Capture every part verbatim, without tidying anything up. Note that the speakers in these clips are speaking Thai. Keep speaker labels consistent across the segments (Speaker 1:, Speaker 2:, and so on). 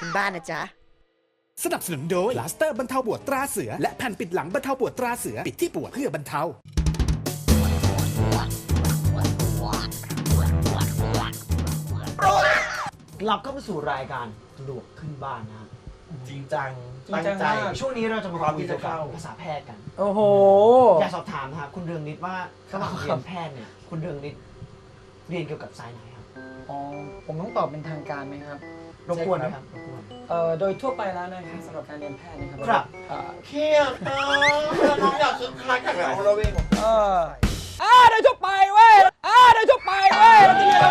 Speaker 1: บ้านนะจ๊ะ
Speaker 2: สนับสนุนโดยพลาสเตอร์บรรเทาปวดตราเสือและแผ่นปิดหลังบรรเทาปวดตราเสือปิดที่ปวดเพื่อบรรเทาก
Speaker 3: ลับเข้ามาสู่รายการสะดวกขึ้นบ้านนะ
Speaker 4: จริงจัง
Speaker 3: จริงจังใจช่วงนี้เราจะมาคุยเกี่ยวกับภาษาแพทย์กัน
Speaker 5: โอ้โห
Speaker 3: อยากสอบถามนะครับคุณเรืองนิดว่าระหว่างเรียนแพทย์เนี่ยคุณเรืองนิดเรียนเกี่ยวกับสายไหนครับ
Speaker 5: อ๋อผมต้องตอบเป็นทางการไหมครับ
Speaker 3: รบกวนนะครับรบกวน
Speaker 5: เอ่อโดยทั่วไปแล้วนะครับสำหรับการเรียนแพทย์นะครับ
Speaker 3: ครับ
Speaker 4: เครียดเออน้องอยากคึกคักกับเราเราเอง
Speaker 5: เอออ่าโดยทั่วไปเว้ยอ่าโดยทั่วไปเว้ย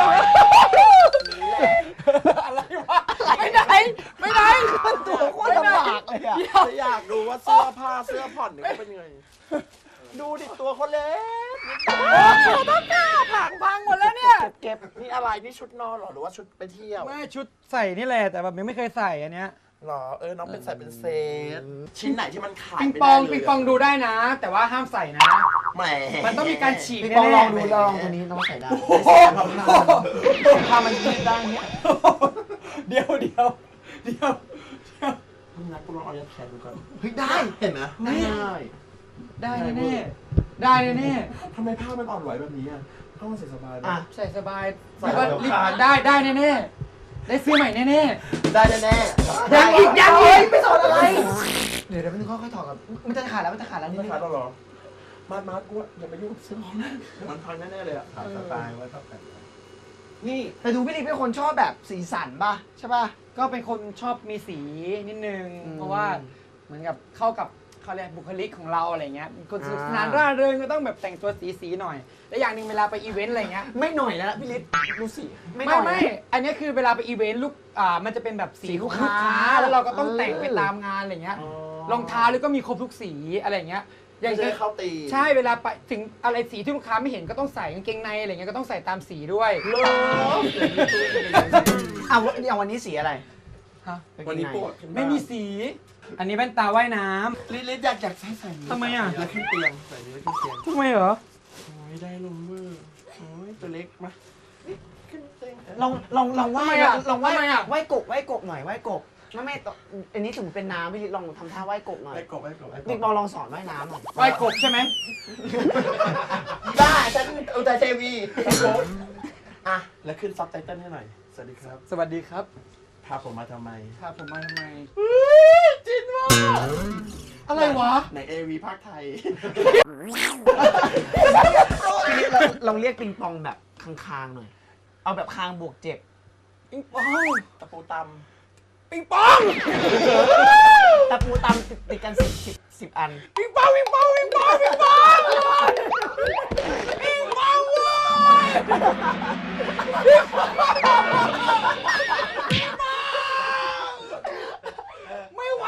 Speaker 5: อะไรวะไปไหนไปไหน
Speaker 3: ตัวโคตรลำบากเลยอะ
Speaker 4: อยากดูว่าเสื้อผ้าเสื้อผ่อนเนี่ยเขาเป็นยังไงดูดิตัวเขาเล็ก
Speaker 5: ต้องกล้าผังพังหมดแล้วเนี่ย
Speaker 4: เก็บนี่อะไรนี่ชุดนอนหรอหรือว่าชุดไปเที่ยว
Speaker 5: ไม่ชุดใส่นี่แหละแต่แบบยังไม่เคยใส่อันเนี้ย
Speaker 4: หรอเออน้องเป็นใส่เป็นเซตชิ้นไหนที่มันขาด
Speaker 5: ปิงปองปิงปองดูได้นะแต่ว่าห้ามใส่นะ
Speaker 4: แหม
Speaker 5: มันต้องมีการฉีก
Speaker 3: ปิงปองลองดูลองตัวนี้น้องใส่ได้ถ้ามันยืดได้เนี้ย
Speaker 5: เดี๋ยวเดี๋ยวเดี๋ยว
Speaker 4: มึงนัดกูลองเอายัดแขนดูก่อน
Speaker 3: เฮ้ยได้
Speaker 4: เห็นไหม
Speaker 5: ได้ได้แน่ได้แน่
Speaker 4: ทำไมผ้ามันอ่อนไหวแบบนี้อ่ะผ้ามันใส่สบาย
Speaker 5: อ่ะใส่สบายใส่ได้ได้แน่แน่ได้ซื้อใหม่แน่แน่
Speaker 3: ได้แน่
Speaker 5: ยังอีกยังอีก
Speaker 3: ไม่สอนอะไรเดี๋ยวเดี๋ยวมันค่อยๆถอดกันมันจะขาดแล้วมันจะขาดแล้วนี่
Speaker 4: ขาดแล้วหรอมาดมาดกูอย่าไปยุ่งเสื้อของนะมันพังแน่ๆเลยอ่ะขาดสไตล์ไว้ครับ
Speaker 3: นี่แต่ดูพี่ลิเป็นคนชอบแบบสีสันป่ะใช่ป่ะ
Speaker 5: ก็เป็นคนชอบมีสีนิดนึงเพราะว่าเหมือนกับเข้ากับเขาเรียกบุคลิกของเราอะไรเงี้ยคนสนุกสนานร่าเริงก็ต้องแบบแต่งตัวสีๆหน่อยและอย่างหนึ่งเวลาไปอีเวนต์อะไรเงี้ย
Speaker 3: ไม่หน่อยแล้วพี่ลิดูสิ
Speaker 5: ไม่ไม่อันนี้คือเวลาไปอีเวนต์ลูกอ่ามันจะเป็นแบบสีลูกค้าแล้วเราก็ต้องแต่งไปตามงานอะไรเงี้ยรองเท้าแล้วก็มีครบทุกสีอะไรเงี้ย
Speaker 4: อย่างเช่นเข้าตี
Speaker 5: ใช่เวลาไปถึงอะไรสีที่ลูกค้าไม่เห็นก็ต้องใส่กางเกงในอะไรเงี้ยก็ต้องใส่ตามสีด้วย
Speaker 3: เลิศอ่ะอย่างวันนี้สีอะไร
Speaker 5: ฮะ
Speaker 4: วันนี้ปวด
Speaker 5: ไม่มีสีอันนี้แว่นตาว่ายน้
Speaker 4: ำลิลิอยากอยากใส่ใส่
Speaker 5: ทำไมอ่ะ
Speaker 4: แล้วขึ้นเตียงใส่แล้วขึ้นเตียง
Speaker 5: ทำไมเหรอ
Speaker 4: โอ้ยได้ลงมือโอ้ยตัวเล็กมาขึ้นเตียง
Speaker 3: ลองลองลองไหว้ลองไหว้ไหว้กบไหว้กบหน่อยไหว้กบไม่ไม่อันนี้ถึงเป็นน้ำพี่ลิลองทำท่าไหว้กบหน่อย
Speaker 4: ไหว้กบไหว้กบ
Speaker 3: พี่บอลลองสอนว่ายน้ำหน่อย
Speaker 5: ไหว้กบใช่ไหม
Speaker 4: ได้ฉันอุทัยเทวีอ่ะแล้วขึ้นซับไตเติ้ลให้หน่อยสวัสดีครับ
Speaker 5: สวัสดีครับ
Speaker 4: พาผมมาทำไม
Speaker 5: พาผมมาทำไม
Speaker 4: จินวะ
Speaker 5: อะไรวะ
Speaker 4: ในเอวีภาคไทย
Speaker 3: พี่ลองเรียกปิงปองแบบคางๆหน่อยเอาแบบคางบวกเจ็บ
Speaker 5: ปิงปอง
Speaker 4: ตะปูต
Speaker 5: ำปิงปอง
Speaker 3: ตะปูตำติดติดกันสิบสิบสิบอัน
Speaker 5: ปิงปองปิงปองปิงปองปิงปองปิงปองไม่ไหว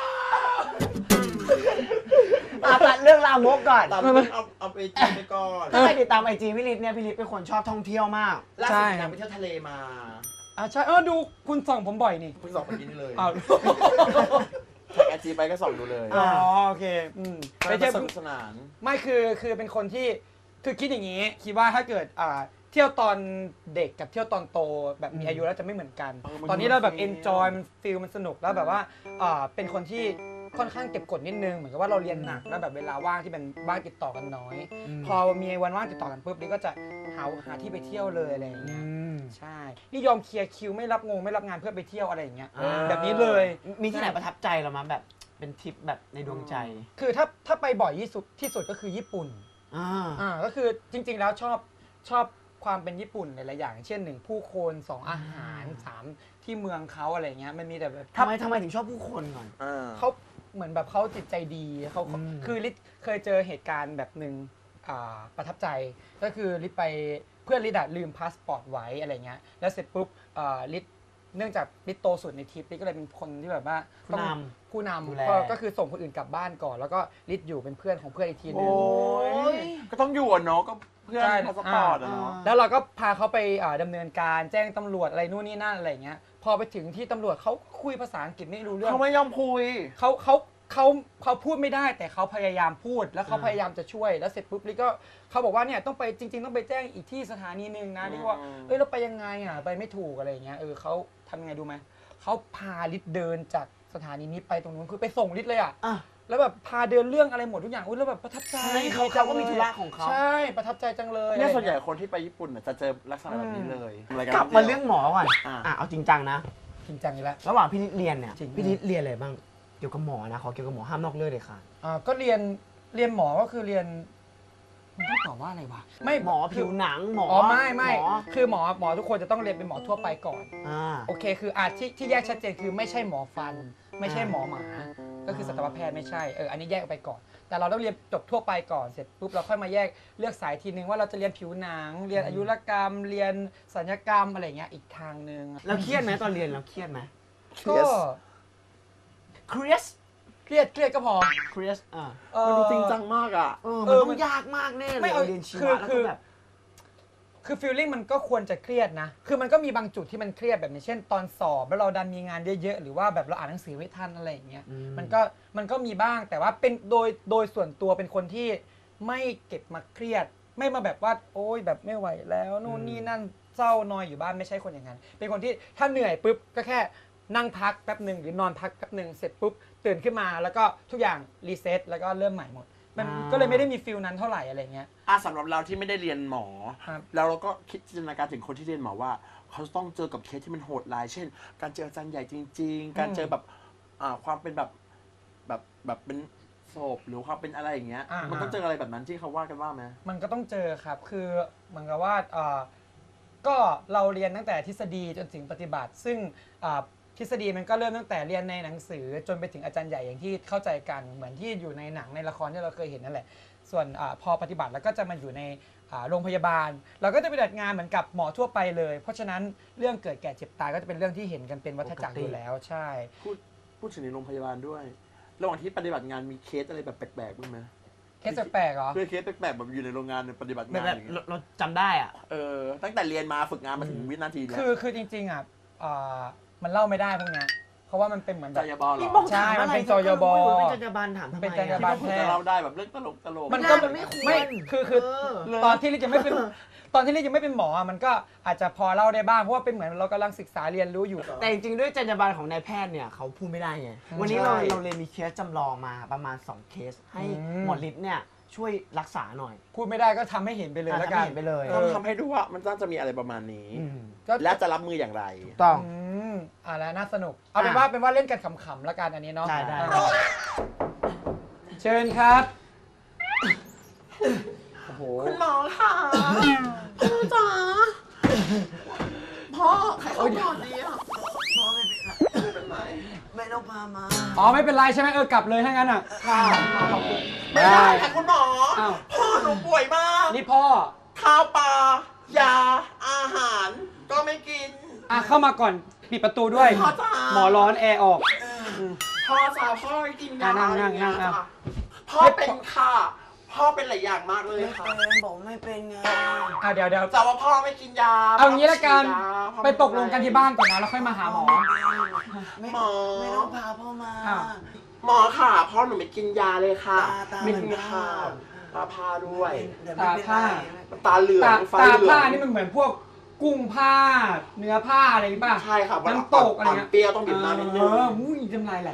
Speaker 5: แล้ว
Speaker 3: ตัดเรื่องรามกก่อน
Speaker 4: ตัดเรื่องเอาเอาไปจีไปก่อน
Speaker 3: ถ้าใครติดตามไอจีพี่ลิศเนี่ยพี่ลิศเป็นคนชอบท่องเที่ยวมาก
Speaker 4: ล่าสุดนางไปเที่ยวทะเลมา
Speaker 5: อ่าใช่เออดูคุณส่องผมบ่อยนี่
Speaker 4: คุณส่องไปกินเลย
Speaker 5: อ้าว
Speaker 4: ถ่ายไอจีไปก็ส่องดูเลย
Speaker 5: อ๋อโอเคอืม
Speaker 4: ไปเที่ยวสนุกสนาน
Speaker 5: ไม่คือคือเป็นคนที่คือคิดอย่างนี้คิดว่าถ้าเกิดอ่าเที่ยวตอนเด็กกับเที่ยวตอนโตแบบมีอายุแล้วจะไม่เหมือนกันตอนนี้เราแบบเอนจอยมันฟีลมันสนุกแล้วแบบว่าอ่าเป็นคนที่ค่อนข้างเก็บกดนิดนึงเหมือนกับว่าเราเรียนหนักแล้วแบบเวลาว่างที่เป็นว่างติดต่อกันน้อยพอมีวันว่างติดต่อกันปุ๊บนี่ก็จะหาหาที่ไปเที่ยวเลยอะไรอย่างเงี้ยใช่นี่ยอมเคลียร์คิวไม่รับงงไม่รับงานเพื่อไปเที่ยวอะไรอย่างเงี้ยแบบนี้เลย
Speaker 3: มีที่ไหนประทับใจเรามั้ยแบบเป็นทริปแบบในดวงใจ
Speaker 5: คือถ้าถ้าไปบ่อยที่สุดที่สุดก็คือญี่ปุ่นอ่าอ่าก็คือจริงๆแล้วชอบชอบความเป็นญี่ปุ่นหลายๆอย่างเช่นหนึ่งผู้คนสองอาหารสามที่เมืองเขาอะไรเงี้ยมันมีแต่แบบ
Speaker 3: ทำไมทำไมถึงชอบผู้คนก่อน
Speaker 5: เขาเหมือนแบบเขาจิตใจดีเขาคือลิศเคยเจอเหตุการณ์แบบหนึ่งประทับใจก็คือลิศไปเพื่อนลิศลืมพาสปอร์ตไว้อะไรเงี้ยแล้วเสร็จปุ๊บลิศเนื่องจากลิศโตสุดในทริปลิศก็เลยเป็นคนที่แบบว่า
Speaker 3: ผู้น
Speaker 5: ำผู้นำก็คือส่งคนอื่นกลับบ้านก่อนแล้วก็ลิศอยู่เป็นเพื่อนของเพื่อนอีกทีนึง
Speaker 4: ก็ต้องอยู่เนาะก็เพื่อนพาสปอร์ตเนาะ
Speaker 5: แล้วเราก็พาเขาไปดำเนินการแจ้งตำรวจอะไรนู่นนี่นั่นอะไรเงี้ยพอไปถึงที่ตำรวจเขาคุยภาษาอังกฤษไม่รู้เรื่อง
Speaker 4: เขาไม่ยอมคุย
Speaker 5: เขาเขาเขาเขาพูดไม่ได้แต่เขาพยายามพูดแล้วเขาพยายามจะช่วยแล้วเสร็จปุ๊บลิก็เขาบอกว่าเนี่ยต้องไปจริงๆต้องไปแจ้งอีกที่สถานีนึงนะที่ว่าเอ้ยเราไปยังไงอ่ะไปไม่ถูกอะไรเงี้ยเออเขาทำยังไงดูไหมเขาพาลิศเดินจากสถานีนี้ไปตรงนู้นคือไปส่งลิศเลยอ่ะ
Speaker 3: อ่ะ
Speaker 5: แล้วแบบพาเดินเรื่องอะไรหมดทุกอย่างอุ้ยแล้วแบบประทับใจ
Speaker 3: ใช่เขาเขาก็มีธุระของเขา
Speaker 5: ใช่ประทับใจจังเลย
Speaker 4: เนี่ย
Speaker 5: อะไร
Speaker 4: ส่วนใหญ่
Speaker 5: งี้
Speaker 4: คนที่ไปญี่ปุ่นน่ะจะเจอลักษณะแบบนี้เลย
Speaker 3: กลับมาเรื่องหมอก่อน
Speaker 4: อ่ะ
Speaker 3: อ่ะเอาจริงจังนะ
Speaker 5: จริงจังอยู่แล้ว
Speaker 3: ระหว่างพี่นิดเรียนเนี่ย
Speaker 5: จริง
Speaker 3: พี่นิดเรียนอะไรบ้างเกี่ยวกับหมอนะขอเกี่ยวกับหมอห้ามนอกเรื่องเลยค่ะ
Speaker 5: อ่าก็เรียนเรียนหมอก็คือเรียนมันต้องตอบว่าอะไรวะไม่
Speaker 3: หมอผิวหนังหมอ
Speaker 5: อ๋อไม่ไม่
Speaker 3: หมอ
Speaker 5: คือหมอหมอทุกคนจะต้องเรียนเป็นหมอทั่วไปก่อน
Speaker 3: อ่า
Speaker 5: โอเคคืออาที่ที่แยกชัดเจนคือไม่ใช่หมอฟัน ไม่ใช่หมอหมา ก็คือสัตวแพทย์ไม่ใช่เอออันนี้แยกออกไปก่อน แต่เราต้องเรียนจบทั่วไปก่อนเสร็จปุ๊บเราค่อยมาแยกเลือกสายทีนึงว่าเราจะเรียนผิวหนัง เรียนอายุรกรรม เรียนศัลยกรรมอะไรเงี้ยอีกทางนึง
Speaker 3: แล้วเครียดไหมตอนเรียนเราเครียดไหม
Speaker 5: ก็
Speaker 3: เครียด
Speaker 5: เครียดเครียดก็พอ
Speaker 3: เครียดอ่า
Speaker 5: เอ่อ
Speaker 4: มันดูจริงจังมากอ่ะ
Speaker 3: เออ
Speaker 5: เอ
Speaker 3: มัน
Speaker 5: อ
Speaker 3: ต้อ
Speaker 5: มัน
Speaker 3: งยากมากแน่เล
Speaker 5: ไม่
Speaker 3: ย
Speaker 5: เอา
Speaker 3: เรียนชี
Speaker 5: คื
Speaker 3: วะ
Speaker 5: อ
Speaker 3: แล้ว
Speaker 5: คื
Speaker 3: ก็
Speaker 5: อ
Speaker 3: แบบ
Speaker 5: คือฟีลลิ่งมันก็ควรจะเครียดนะ คือมันก็มีบางจุดที่มันเครียดแบบนี้เช่นตอนสอบแล้วเราดันมีงานเยอะๆหรือว่าแบบเราอ่านหนังสือไม่ทันอะไรอย่างเงี้ย
Speaker 3: อืม
Speaker 5: มันก็มันก็มีบ้างแต่ว่าเป็นโดยโดยส่วนตัวเป็นคนที่ไม่เก็บมาเครียด ไม่มาแบบว่าโอ๊ยแบบไม่ไหวแล้วนู่นนี่นั่นเศร้านอยอยู่บ้านไม่ใช่คนอย่างนั้น เป็นคนที่ถ้าเหนื่อยปุ๊บก็แค่นั่งพักแป๊บหนึ่งหรือนอนพักแป๊บหนึ่งเสร็จปุ๊บตื่นขึ้นมาแล้วก็ทุกอย่างรีเซ็ตแล้วก็เริ่มใหม่หมด มันก็เลยไม่ได้มีฟิลนั้นเท่าไหร่อะไรเงี้ย
Speaker 4: อ่ะสำหรับเราที่ไม่ได้เรียนหมอ
Speaker 5: ครับ
Speaker 4: แล้วเราก็คิดจินตนาการถึงคนที่เรียนหมอว่า เขาต้องเจอกับเคสที่มันโหดร้าย เช่น การเจออาจารย์ใหญ่จริง ๆ การเจอแบบอ่าความเป็นแบบแบบแบบเป็นศพหรือความเป็นอะไรอย่างเงี้ย
Speaker 5: อ่ามั
Speaker 4: มันต้องเจออะไรแบบนั้นที่เขาว่ากันว่าไหม
Speaker 5: มันก็ต้องเจอครับ คือเหมือนกับว่าเอ่อก็เราเรียนตั้งแต่ทฤษฎีจนถึงปฏิบัติ ซึ่งอ่าทฤษฎีมันก็เริ่มตั้งแต่เรียนในหนังสือจนไปถึงอาจารย์ใหญ่อย่างที่เข้าใจกันเหมือนที่อยู่ในหนังในละครที่เราเคยเห็นนั่นแหละ ส่วนอาพอปฏิบัติแล้วก็จะมาอยู่ในอ่าโรงพยาบาล เราก็จะไปปฏิบัติงานเหมือนกับหมอทั่วไปเลย เพราะฉะนั้นเรื่องเกิดแก่เจ็บตายก็จะเป็นเรื่องที่เห็นกันเป็นวัฏจักรอยู่แล้วใช่
Speaker 4: พูดพูดถึงในโรงพยาบาลด้วย ระหว่างที่ปฏิบัติงานมีเคสอะไรแบบแปลกๆบ้างไหม
Speaker 5: เคสแปลกๆเหรอ
Speaker 4: เพื่อเคสแปลกๆแบบอยู่ในโรงงานปฏิบัติ
Speaker 3: แบบ
Speaker 4: งาน
Speaker 3: แบ
Speaker 4: อบ ย่างเงี้ย
Speaker 3: เราเราจำได้อ่ะ
Speaker 4: เออตั้งแต่เรียนมาฝึกงานมาถึงวินาทีเนี้ย
Speaker 5: คือคือจริงๆอ่ะอ่ามันเล่าไม่ได้พวกเนี้ยเพราะว่ามันเป็นเหมือนแบ
Speaker 4: จ
Speaker 5: บ
Speaker 4: ยบอเหร
Speaker 3: พี่
Speaker 4: อ
Speaker 3: บอก
Speaker 5: ใช่
Speaker 3: ถาม
Speaker 5: มัน
Speaker 3: อะไร
Speaker 5: เป็นจยบ
Speaker 3: ก็ไม่รู้เป็นจยบาลถามทำไม
Speaker 5: เป็นจย
Speaker 3: อะ
Speaker 5: บาล
Speaker 4: คิดว่าผมจะเล่าได้แบบเรื่องตลกตลก
Speaker 5: มันก็
Speaker 3: มันไม่ควร
Speaker 5: ไม่คือคือ
Speaker 3: เออ
Speaker 5: ตอนที่ลิศยังไม่เป็นตอนที่ลิศยังไม่เป็นหมออ่ะมันก็อาจจะพอเล่าได้บ้างเพราะว่าเป็นเหมือนเรากำลังศึกษาเรียนรู้อยู่
Speaker 3: แต่จริงๆด้วยจรรยาบรรณของนายแพทย์เนี่ยเขาพูดไม่ได้ไง วันนี้เรา
Speaker 5: ใช่
Speaker 3: เราเลยมีเคสจำลองมาประมาณสองเคส ให้
Speaker 5: อืม
Speaker 3: หมอฤทธิ์เนี่ยช่วยรักษาหน่อย
Speaker 5: พูดไม่ได้ก็ทำให้เห็นไปเลย
Speaker 3: อ่ะ
Speaker 5: แล้วกัน
Speaker 3: ทำให้เห็นไปเลย
Speaker 5: อ
Speaker 4: ต้อง
Speaker 5: อ
Speaker 4: ทำให้ดูว่ามันน่าจะมีอะไรประมาณนี้
Speaker 5: ก็
Speaker 4: และจะรับมืออย่างไร
Speaker 3: ต้อง
Speaker 5: อืมอ่าแล้วน่าสนุก เอาเป็น
Speaker 3: อ่ะ
Speaker 5: ว่าเป็นว่าเล่นกันขำๆแล้วกันอันนี้เนาะ
Speaker 3: ได้ได้
Speaker 5: อ่าเชิญครับโอ้โห
Speaker 4: คุณหมอค่ะพ่อจ๋าพ่อใครเขาก่อนดีอ่ะ
Speaker 3: พ่อไม่เป็นไรไม่ต้องพามา
Speaker 5: อ๋อไม่เป็นไรใช่ไหมเออกลับเลยถ้างั้นอ่ะ
Speaker 4: ไม่ได้ค่ะคุณหมอ
Speaker 5: อ้าว
Speaker 4: พ่อหนูป่วยมาก
Speaker 5: นี่พ่อ
Speaker 4: ข้าวปลายาอาหาร ก็ไม่กิน
Speaker 5: อ่ะเข้ามาก่อนปิดประตูด้วย
Speaker 4: พ่อจ๋า
Speaker 5: หมอร้อนแอร์ออก
Speaker 4: พ่อจ๋าพ่อไม่กินยา
Speaker 5: อ่ะนั่งนั่ง
Speaker 4: อะไรอย่างเงี้ย
Speaker 5: นั่ง
Speaker 4: จ้ะพ่อเป็นค่ะ พ่อเป็นหลายอย่างมากเลยค่ะ
Speaker 3: บอกไม่เป็นไง
Speaker 5: อ่ะเดี๋ยวเดี๋ยว
Speaker 4: แต่ว่าพ่อไม่กินยา
Speaker 5: เอางี้ละกัน
Speaker 4: พ่อม่ยาพ่อ
Speaker 5: ไปตกลงกันที่บ้านก่อนนะแล้วค่อยมาหาหมอ
Speaker 3: ไม่
Speaker 4: หมอ
Speaker 3: ไม่ต้องพาพ่อมา
Speaker 5: อ้าว
Speaker 4: หมอค่ะ พ่อหนูไม่กินยาเลยค่ะ
Speaker 3: ตาตา
Speaker 4: ไม่กินค่ะตาพาด้วย
Speaker 3: แต่ไม่เป็นไร
Speaker 4: ตาเหลือง
Speaker 5: ตา
Speaker 4: ฟ้า
Speaker 5: ตา
Speaker 4: เหลื
Speaker 5: ผ้า
Speaker 4: อง
Speaker 5: นี่มันเหมือนพวกกุ้งผ้า เนื้อผ้าอะไรนี่ป่ะ
Speaker 4: ใช่ค่ะ
Speaker 5: น้ำตกอะไรเงี้ย
Speaker 4: เปรี้ยวต้องบีบน้ำนิดนึง
Speaker 5: เอออุ้ยจำลายไหล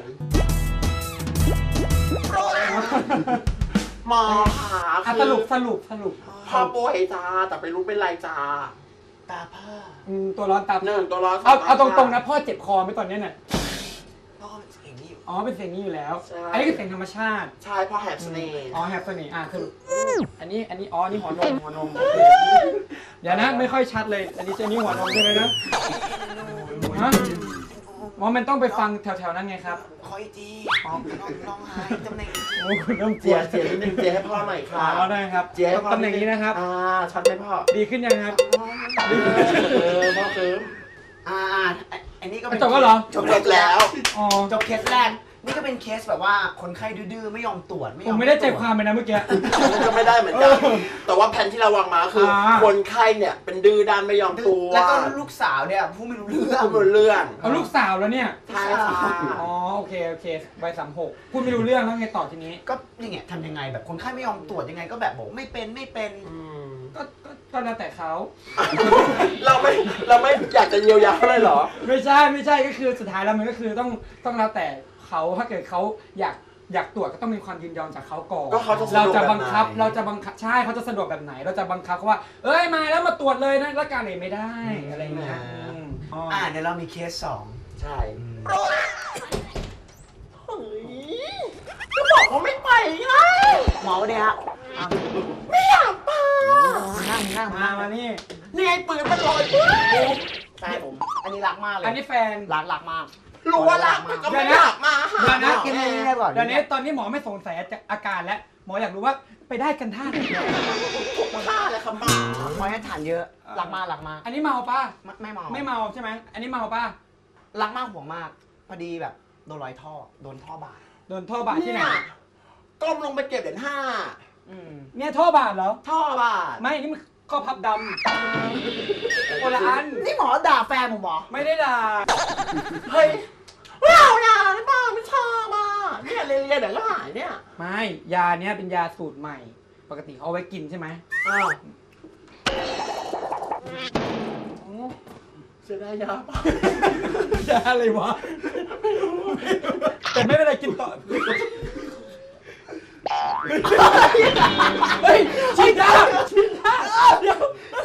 Speaker 4: หมอค่ะ
Speaker 5: อ่ะ
Speaker 4: คือ
Speaker 5: สรุปสรุปสรุป
Speaker 4: พ่อป่วยจ้าแต่ไม่รู้เป็นไรจ้า
Speaker 3: ตาผ้า
Speaker 5: อืมตัวร้อนตาม
Speaker 4: หนึ่งตัวร้อน
Speaker 5: เอาเอาต
Speaker 4: ส
Speaker 5: รงๆนะพ่อเจ็บคอไหมตอนเนี้ยเนี่ย
Speaker 3: พ่อเป็นเสียงนี้อยู่
Speaker 5: อ๋อเป็นเสียงนี้อยู่แล้ว
Speaker 4: ใช่
Speaker 5: อันนี้คือเสียงธรรมชาติ
Speaker 4: ใช่พ่อแหบเสน่ห์
Speaker 5: อ๋อแฮปปี้อ่ะสรุปอันนี้อันนี้อ๋อนี่หัวนมหัวนมโอเคเดี๋ยวนะไม่ค่อยชัดเลย อันนี้ใช่นี่หัวนมใช่ไหมนะฮะอ๋อมันต้องไปฟังแถวๆนั้นไงครับ
Speaker 3: คอยจีน้องน้องหายตำแหน่ง
Speaker 5: โอ้คุณเริ่มก
Speaker 4: เจี
Speaker 5: ลัวย
Speaker 4: เจียนิดนึงเจียให้พ่อหน่อย
Speaker 5: อ่า
Speaker 4: ค่ะ
Speaker 5: เอาได้ครับ
Speaker 4: เจียให้พ่อ
Speaker 5: ตำแหน่งนี้นะครับ
Speaker 4: อ่าชัดไหมพ่อ
Speaker 5: ดีขึ้นยังครับ
Speaker 4: เออพ่อเคิม
Speaker 3: อ่าอ่าอันนี้ก็เป็น
Speaker 5: จบแล้วเหรอ
Speaker 3: จบแล้ว
Speaker 5: อ๋อ
Speaker 3: จบเคสแรก นี่ก็เป็นเคสแบบว่าคนไข้ดื้อๆไม่ยอมตรวจไม่ย
Speaker 5: ผ
Speaker 3: อ
Speaker 5: ม
Speaker 3: ม
Speaker 5: ไม่ได้ใจ
Speaker 3: ตรวจ
Speaker 5: ความเลยนะเมื่อกี้
Speaker 4: มันก็ไม่ได้เหมือนกัน แต่ว่าแผนที่เราวางมาคืออา คนไข้เนี่ยเป็นดื้อด้านไม่ยอมตัว
Speaker 3: แล้วก็ลูกสาวเนี่ยผู้ไม่รู้เรื่อง
Speaker 4: พูดไม่รู้เรื่อง
Speaker 5: เอาลูกสาวแล้วเนี่ย
Speaker 4: ใช่ค่ะ
Speaker 5: อ๋อโอเคโอเคใบสามหกพูดไม่รู้เรื่องแล้วไงต่อทีนี้
Speaker 3: ก็นี่ไงทำยังไงแบบคนไข้ไม่ยอมตรวจยังไงก็แบบบอกไม่เป็นไม่เป็น
Speaker 4: อืม
Speaker 5: ก็ก็ก็แล้วแต่เขา
Speaker 4: เราไม่เราไม่อยากจะเยียวยาเลยเหรอ
Speaker 5: ไม่ใช่ไม่ใช่ก็คือสุดท้ายแล้วมันก็คือต้องต้องแล้วแต่เขาถ้าเกิดเขาอยากอยากตรวจก็ต้องมีความยินยอมจากเขาก่อน
Speaker 4: ก็เขาจะสะ
Speaker 5: เรา
Speaker 4: ดวก
Speaker 5: จะ
Speaker 4: แบบ
Speaker 5: บังคับ
Speaker 4: ไหน
Speaker 5: เราจะบังคับใช่เขาจะสะดวกแบบไหน เราจะบังคับเขาว่าเอ้ยมาแล้วมาตรวจเลยนะแล้วการเลยไม่ได้อะไรอย่างเงี้ยอืมอ๋อ
Speaker 3: อ่าเดี๋ยวเรามีเคสสอง
Speaker 4: ใช่เฮ้ยก็บอกว่าไม่ไปไง
Speaker 3: หมอวันนี้ฮะอ่ะ
Speaker 4: ไม่อยากไป
Speaker 3: นั่งนั่ง
Speaker 5: มา
Speaker 3: นั่ง
Speaker 5: มานี่
Speaker 4: นี่ไอ้ปืนมันลอยปืน
Speaker 3: ใช่ผม อันนี้รักมากเลย
Speaker 5: อันนี้แฟน
Speaker 3: รักรักมาก
Speaker 4: รู้ว่ารักมันก็ไม่อยากมาหา
Speaker 5: เดี๋ยวนะ
Speaker 3: กินนี่ได้ก่อน
Speaker 5: เดี๋ยวนี้ตอนนี้หมอไม่สงสัยอาการแล้วหมออยากรู้ว่าไปได้กันท่าไหน
Speaker 4: ฆ่าเลยครับหมา
Speaker 3: หมอให้ฐานเยอะ รักมากรักมาก
Speaker 5: อันนี้เมาป่ะ
Speaker 3: ไม่ไม่เมา
Speaker 5: ไม่เมาใช่ไหมอันนี้เมาป่ะ
Speaker 3: รักมากห่วงมาก พอดีแบบโดนรอยท่อ โดนท่อบาด
Speaker 5: โดนท่อบาดที่ไหน
Speaker 4: เนี่ยก้มลงไปเก็บเหรียญห้า
Speaker 3: อืม
Speaker 5: เนี่ยท่อบาดเหรอ
Speaker 3: ท่อบาด
Speaker 5: ไม่นี่มันข้อพับดำคนละอัน
Speaker 3: นี่หมอด่าแฟนผมเหรอ
Speaker 5: ไม่ได้ด่า
Speaker 4: เฮ้ยไม่เอาอย่าไม่บ้าไม่ชอบอ่ะเนี่ยเรียนเรียนเดี๋ยวก็หายเนี่ย
Speaker 5: ไม่ยาเนี้ยเป็นยาสูตรใหม่ ปกติเขาเอาไว้กินใช่ไหม
Speaker 3: อ้าว
Speaker 4: เสียดายยาป่ะ
Speaker 5: ยาอะไรวะแต่ไม่เป็นไรกินต่อเฮ้ยฉีดยาฉีดยาเดี๋ยว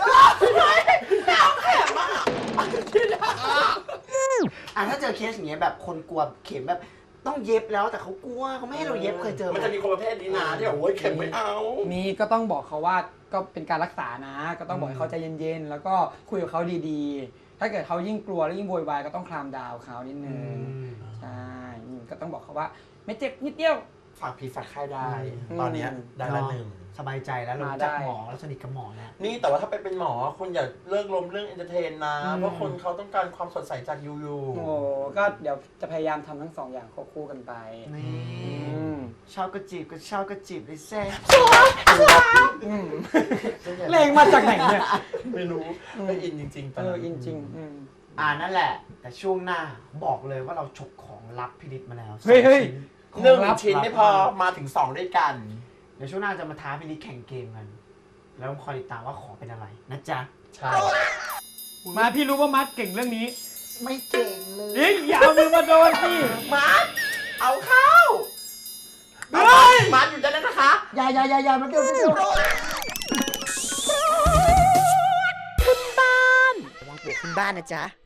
Speaker 3: อ่ะถ้าเจอเคสอย่างเงี้ยแบบคนกลัวเข็มแบบต้องเย็บแล้วแต่เขากลัวเขาไม่ให้เราเย็บเคยเจอไหม
Speaker 4: มันจะมีคนประเภทนี้นะที่แบบโอ้ยเข็มไม่เอา
Speaker 5: มีก็ต้องบอกเขาว่าก็เป็นการรักษานะ ก็ต้องบอกให้เขาใจเย็นๆแล้วก็คุยกับเขาดีๆ ถ้าเกิดเขายิ่งกลัวแล้วยิ่งโวยวายก็ต้องคลามดาวเขานิดนึงใช่อืมก็ต้องบอกเขาว่าไม่เจ็บนิดเดียว
Speaker 4: ฝากผีฝากไข้ได้
Speaker 5: อืม
Speaker 4: ตอนเนี้ยได้ละหนึ่ง
Speaker 3: สบายใจแล้วเรา
Speaker 5: มา
Speaker 3: จัก
Speaker 5: ได้
Speaker 3: หมอแล้วสนิทกับหมอแล้ว
Speaker 4: นี่แต่ว่าถ้าไปเป็นหมอคุณอย่าเลิกลมเรื่องเอนเตอร์เทนนะ
Speaker 5: อืม
Speaker 4: เพราะคนเขาต้องการความสดใสจากยูยู
Speaker 5: โอ้ก็เดี๋ยวจะพยายามทำทั้งสองอย่างควบคู่กันไป
Speaker 3: นี่
Speaker 5: อืม
Speaker 3: ชอบก็จีบก็ชอบก็จีบเลยแซ่
Speaker 5: อืมเลงมาจากไหนเนี่ย
Speaker 4: ไม่รู้ไม่อินจริงๆต
Speaker 5: เอ
Speaker 4: อน
Speaker 5: อ
Speaker 4: นั้น
Speaker 5: อินจริงอืม
Speaker 3: อ่านั่นแหละ แต่ช่วงหน้าบอกเลยว่าเราฉกของลับพิริตมาแล้ว
Speaker 5: เฮ้ยเฮ้ย
Speaker 3: สอง
Speaker 4: หนึ่ง
Speaker 3: ของลับ
Speaker 4: ชิ้นไม่พอมาถึงสองด้วยกัน
Speaker 3: เดี๋ยวช่วงหน้าจะมาท้าพิริตแข่งเกมกัน แล้วคอยติดตามว่าของเป็นอะไรนะจ๊ะ
Speaker 4: ใช่
Speaker 5: มาพี่รู้ว่ามัดเก่งเรื่องนี้
Speaker 3: ไม่เก่งเลย
Speaker 5: เอ้ยอย่าเอามือมาโดนพี่
Speaker 4: มาร์ทเอาเข้า
Speaker 5: เฮ้ย
Speaker 4: มาร์ทอยู่ด้านนั้นนะคะ
Speaker 3: อย่าอย่าอย่าอย่ามาเดี๋ยวเดี๋ยว
Speaker 1: ระวังปวกขึ้นบ้านนะจ๊ะ